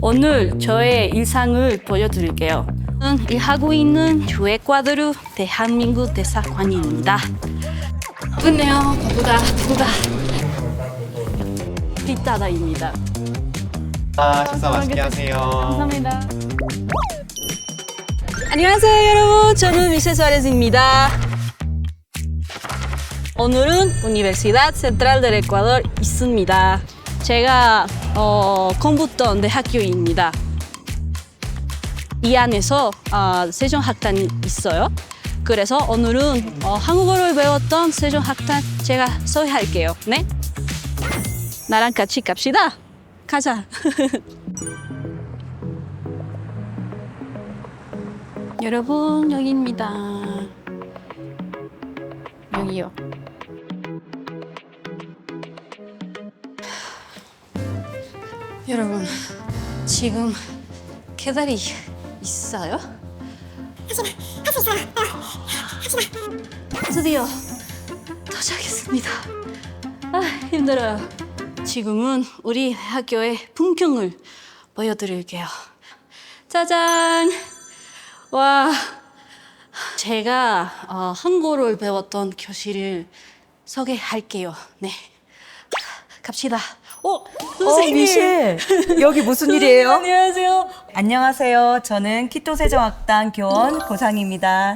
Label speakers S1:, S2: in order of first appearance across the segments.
S1: 오늘 저의 일상을 보여드릴게요. 저는 일하고 있는 주에콰도르 대한민국 대사관입니다. 끝내요. 바쁘다. 빗다다입니다.
S2: 식사 맛있게 하세요.
S1: 감사합니다. 안녕하세요, 여러분. 저는 미세 수아레스입니다. 오늘은 Universidad Central del Ecuador 있습니다. 제가 공부했던 대학교입니다. 이 안에서 세종학단이 있어요. 그래서 오늘은 한국어를 배웠던 세종학단 제가 소개할게요. 네? 나랑 같이 갑시다. 가자. 여러분, 여기입니다. 여기요. 여러분, 지금 계단이 있어요? 드디어 도착했습니다. 힘들어요. 지금은 우리 학교의 풍경을 보여드릴게요. 짜잔! 와, 제가 한국어를 배웠던 교실을 소개할게요. 네, 갑시다. 선생님!
S3: 미셸! 여기 무슨 일이에요?
S1: 안녕하세요.
S3: 안녕하세요. 저는 키토 세종학당 교원 고상입니다.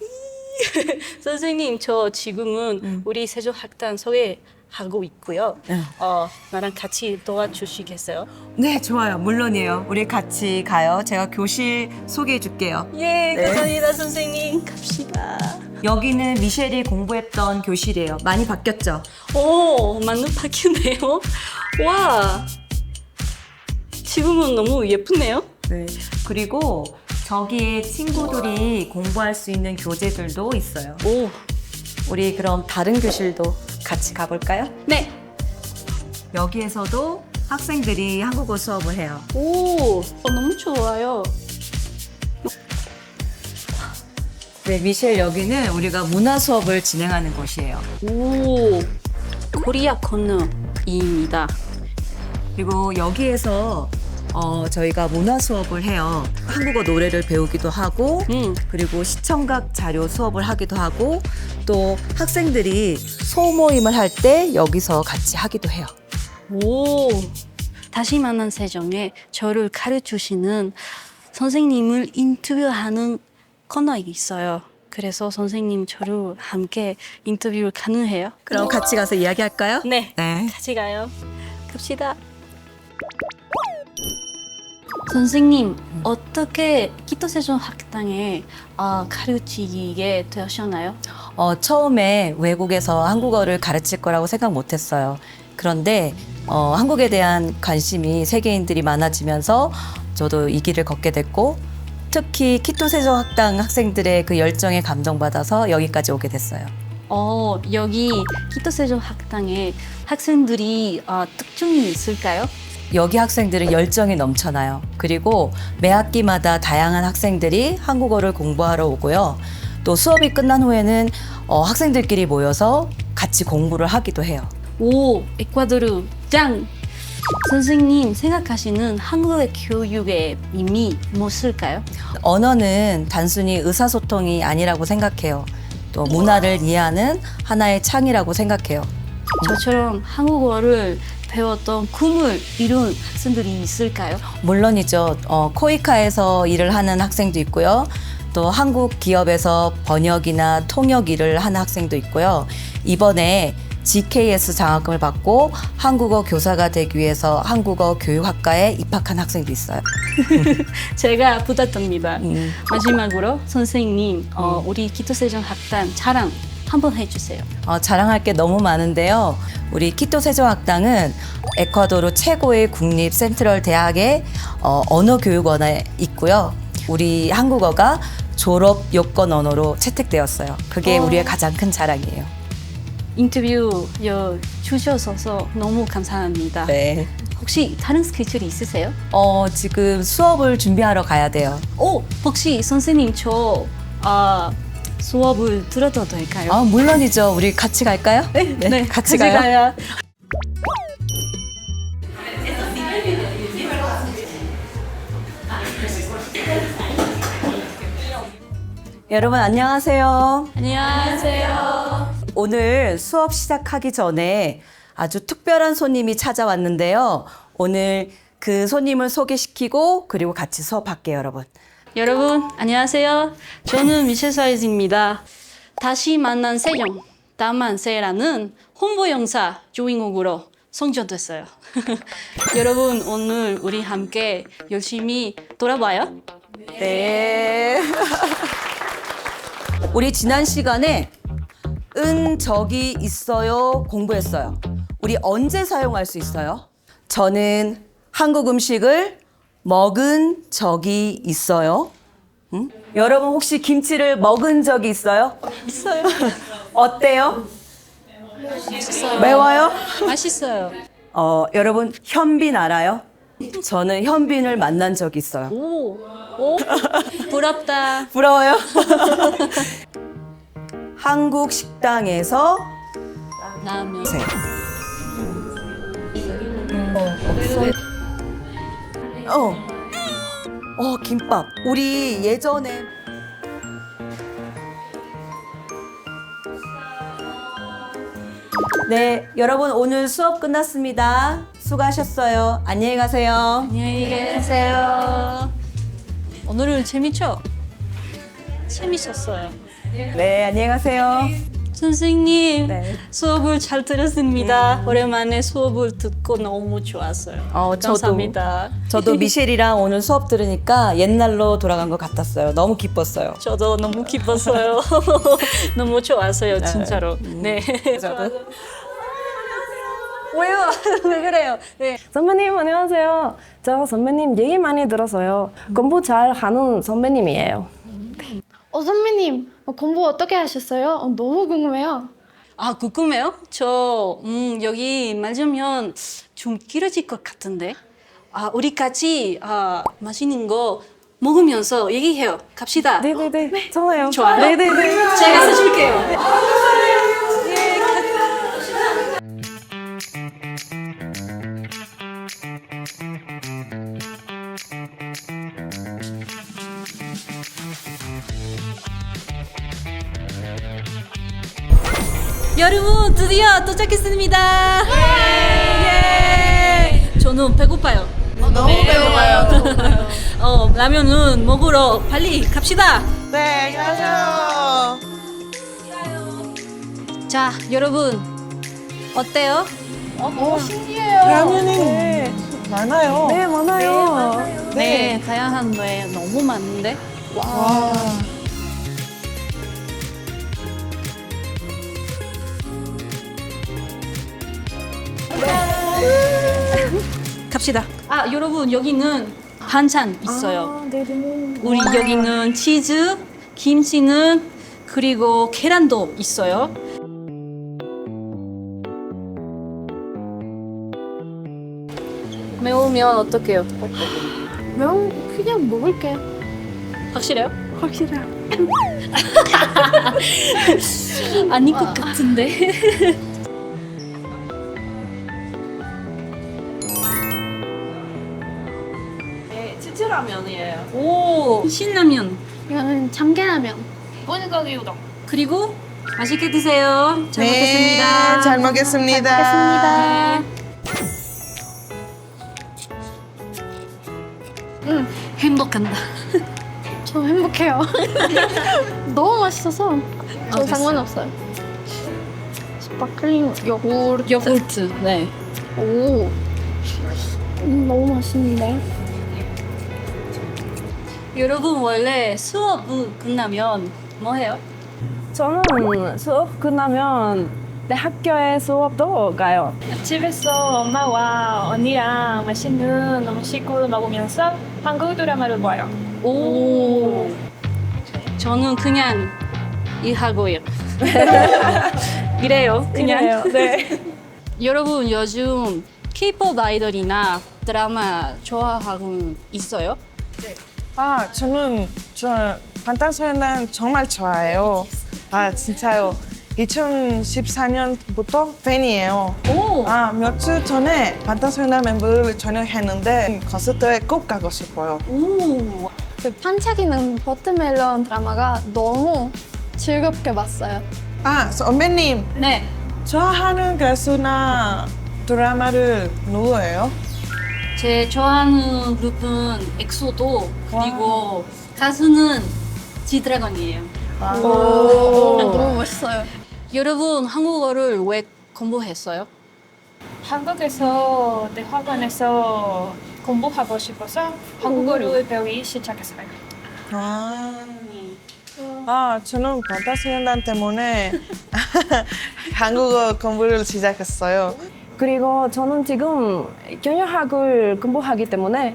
S1: 선생님, 저 지금은 우리 세종학단 소개하고 있고요. 나랑 같이 도와주시겠어요?
S3: 네, 좋아요. 물론이에요. 우리 같이 가요. 제가 교실 소개해 줄게요.
S1: 예, 감사합니다, 선생님. 갑시다.
S3: 여기는 미셸이 공부했던 교실이에요. 많이 바뀌었죠?
S1: 오, 맞는 바뀌네요. 와, 지금은 너무 예쁘네요.
S3: 네. 그리고 저기에 친구들이 공부할 수 있는 교재들도 있어요.
S1: 오,
S3: 우리 그럼 다른 교실도 같이 가볼까요?
S1: 네.
S3: 여기에서도 학생들이 한국어 수업을 해요.
S1: 오, 너무 좋아요.
S3: 네, 미셸 여기는 우리가 문화 수업을 진행하는 곳이에요.
S1: 오, 코리아 코너입니다.
S3: 그리고 여기에서 저희가 문화 수업을 해요. 한국어 노래를 배우기도 하고 그리고 시청각 자료 수업을 하기도 하고 또 학생들이 소모임을 할 때 여기서 같이 하기도 해요.
S1: 오, 다시 만난 세정에 저를 가르쳐주시는 선생님을 인터뷰하는 코너가 있어요. 그래서 선생님 저를 함께 인터뷰를 가능해요?
S3: 그럼 같이 가서 이야기할까요?
S1: 네,
S3: 네.
S1: 같이 가요. 갑시다. 선생님, 어떻게 키토 세종학당에 가르치게 되셨나요?
S3: 처음에 외국에서 한국어를 가르칠 거라고 생각 못 했어요. 그런데 한국에 대한 관심이 세계인들이 많아지면서 저도 이 길을 걷게 됐고 특히 키토 세종학당 학생들의 그 열정에 감동받아서 여기까지 오게 됐어요.
S1: 여기 키토 세종학당에 학생들이 특징이 있을까요?
S3: 여기 학생들은 열정이 넘쳐나요. 그리고 매 학기마다 다양한 학생들이 한국어를 공부하러 오고요. 또 수업이 끝난 후에는 학생들끼리 모여서 같이 공부를 하기도 해요.
S1: 오, 에콰도르 짱! 선생님 생각하시는 한국의 교육의 의미 무엇일까요?
S3: 언어는 단순히 의사소통이 아니라고 생각해요. 또 문화를 이해하는 하나의 창이라고 생각해요.
S1: 저처럼 한국어를 배웠던 꿈을 이룬 학생들이 있을까요?
S3: 물론이죠. 코이카에서 일을 하는 학생도 있고요. 또 한국 기업에서 번역이나 통역 일을 하는 학생도 있고요. 이번에 GKS 장학금을 받고 한국어 교사가 되기 위해서 한국어 교육학과에 입학한 학생도 있어요.
S1: 제가 부탁드립니다. 마지막으로 선생님, 우리 키토 세종학단 자랑 한번 해주세요.
S3: 자랑할 게 너무 많은데요. 우리 키토 세종학당은 에콰도르 최고의 국립 센트럴 대학의 언어교육원에 있고요. 우리 한국어가 졸업 요건 언어로 채택되었어요. 그게 우리의 가장 큰 자랑이에요.
S1: 인터뷰 주셔서 너무 감사합니다.
S3: 네.
S1: 혹시 다른 스케줄이 있으세요?
S3: 지금 수업을 준비하러 가야 돼요.
S1: 혹시 선생님 저 수업을 들어도 될까요?
S3: 물론이죠. 우리 같이 갈까요?
S1: 네,
S3: 같이 가요. 여러분 안녕하세요.
S1: 안녕하세요.
S3: 오늘 수업 시작하기 전에 아주 특별한 손님이 찾아왔는데요. 오늘 그 손님을 소개시키고 그리고 같이 수업할게요, 여러분.
S1: 여러분 안녕하세요. 저는 미셸 사이즈입니다. 다시 만난 세영 다만세라는 홍보 영사 주인공으로 선정됐어요. 여러분 오늘 우리 함께 열심히 돌아봐요.
S3: 네. 우리 지난 시간에 적이 있어요 공부했어요. 우리 언제 사용할 수 있어요? 저는 한국 음식을 먹은 적이 있어요. 응? 여러분 혹시 김치를 먹은 적이 있어요?
S1: 있어요.
S3: 어때요?
S1: 맛있어요.
S3: 매워요?
S1: 맛있어요.
S3: 여러분 현빈 알아요? 저는 현빈을 만난 적이 있어요.
S1: 오, 부럽다.
S3: 부러워요? 한국 식당에서
S1: 라면.
S3: 김밥. 우리 예전에 네, 여러분 오늘 수업 끝났습니다. 수고하셨어요. 안녕히 가세요.
S1: 안녕히 계세요. 오늘은 재밌죠? 재밌었어요.
S3: 네, 안녕히 가세요.
S1: 선생님,
S3: 네.
S1: 수업을 잘 들었습니다. 오랜만에 수업을 듣고 너무 좋았어요. 감사합니다.
S3: 저도 미셸이랑 오늘 수업 들으니까 옛날로 돌아간 것 같았어요. 너무 기뻤어요.
S1: 저도 너무 기뻤어요. 너무 좋았어요, 진짜로. 네.
S3: 저도.
S1: 왜요? 왜 그래요? 네.
S4: 선배님 안녕하세요. 저 선배님 얘기 많이 들어서요. 공부 잘 하는 선배님이에요.
S5: 선배님, 공부 어떻게 하셨어요? 너무 궁금해요.
S1: 아, 궁금해요? 저, 여기 맞으면 좀 길어질 것 같은데. 아, 우리 같이 맛있는 거 먹으면서 얘기해요. 갑시다.
S4: 네네네. 좋아요.
S1: 좋아요?
S4: 네네네.
S1: 제가 사줄게요. 여러분 드디어 도착했습니다. 예! 저는 배고파요.
S6: 너무 배고파요.
S1: 라면은 먹으러 빨리 갑시다.
S6: 네, 안녕하세요.
S1: 자, 여러분 어때요?
S6: 라면이 많아요.
S4: 네 많아요.
S1: 네, 다양한 게 너무 많은데.
S6: 와.
S1: 갑시다. 아, 여러분 여기는 반찬 있어요.
S4: 네네.
S1: 우리 여기는 치즈, 김치는 그리고 계란도 있어요. 매우면 어떡해요?
S5: 명 그냥 먹을게.
S1: 확실해요?
S5: 확실해요.
S1: 아닐 것 같은데.
S4: 네, 치즈라면이에요.
S1: 오, 신라면.
S5: 이거는 참깨라면.
S4: bulgogi udon.
S1: 그리고 맛있게 드세요. 잘
S6: 네,
S1: 먹겠습니다.
S6: 잘 먹겠습니다.
S5: 먹겠습니다.
S1: 행복한다.
S5: 저 행복해요. 너무 맛있어서 저 상관없어요. 스파클링 요구르트.
S1: 요구르트. 네.
S5: 오. 너무 맛있는데.
S1: 여러분 원래 수업 끝나면 뭐 해요?
S4: 저는 수업 끝나면 내 학교에 수업도 가요. 집에서 엄마와 언니랑 맛있는 음식을 먹으면서 한국 드라마를 봐요.
S1: 오. 저는 그냥 일하고요. 이래요. 그냥.
S4: 이래요. 네.
S1: 여러분 요즘 K-pop 아이돌이나 드라마 좋아하고 있어요?
S6: 저는 방탄소년단 정말 좋아해요. 진짜요. 2014년부터 팬이에요.
S1: 오.
S6: 며칠 전에 방탄소년단 멤버를 전역했는데 콘서트에 꼭 가고 싶어요.
S1: 오.
S5: 그 반짝이는 버튼멜론 드라마가 너무 즐겁게 봤어요.
S6: 선배님,
S1: 네.
S6: 좋아하는 가수나 드라마를 누구예요?
S1: 제 좋아하는 그룹은 엑소도 그리고 가수는 지드래곤이에요.
S5: 너무 멋있어요.
S1: 여러분 한국어를 왜 공부했어요?
S7: 한국에서 대학원에서 공부하고 싶어서 한국어를 배우기 시작했어요.
S6: 저는 방탄소년단 때문에 한국어 공부를 시작했어요.
S4: 그리고 저는 지금 경영학을 공부하기 때문에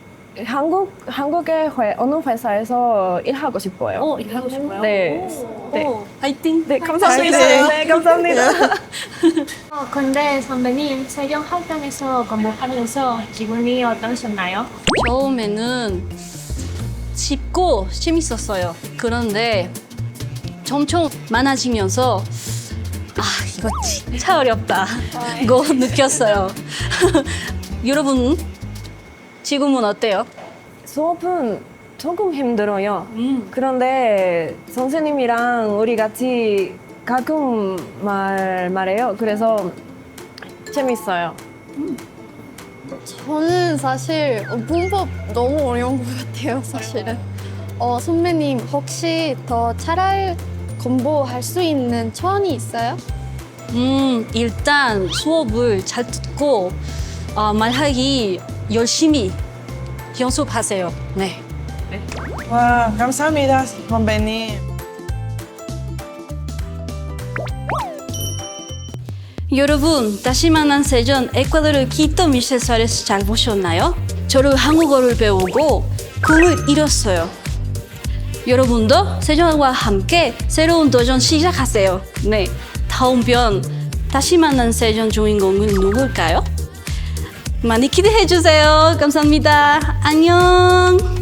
S4: 한국의 어느 회사에서 일하고 싶어요.
S1: 일하고 싶어요?
S4: 네. 네.
S1: 파이팅!
S4: 네, 감사합니다.
S6: 파이팅!
S4: 네, 감사합니다.
S7: 근데 선배님 세경 활동에서 공부하면서 기분이 어떠셨나요?
S1: 처음에는 쉽고 재밌었어요. 그런데 점점 많아지면서 이거 진짜 어렵다. 이거 느꼈어요. 여러분 지금은 어때요?
S4: 수업은 조금 힘들어요. 그런데 선생님이랑 우리 같이 가끔 말해요. 그래서 재밌어요.
S5: 저는 사실 문법 너무 어려운 것 같아요, 사실은. 선배님 혹시 더 잘 공부할 수 있는 조언이 있어요?
S1: 일단 수업을 잘 듣고 말하기 열심히 연습하세요. 네.
S6: 와, 감사합니다, 선배님.
S1: 여러분 다시 만난 세전 에콰도르 키토 미셸사레스 잘 보셨나요? 저를 한국어를 배우고 꿈을 이뤘어요. 여러분도 세전과 함께 새로운 도전 시작하세요. 네, 다음 편 다시 만난 세전 주인공은 누굴까요? 많이 기대해 주세요. 감사합니다. 안녕.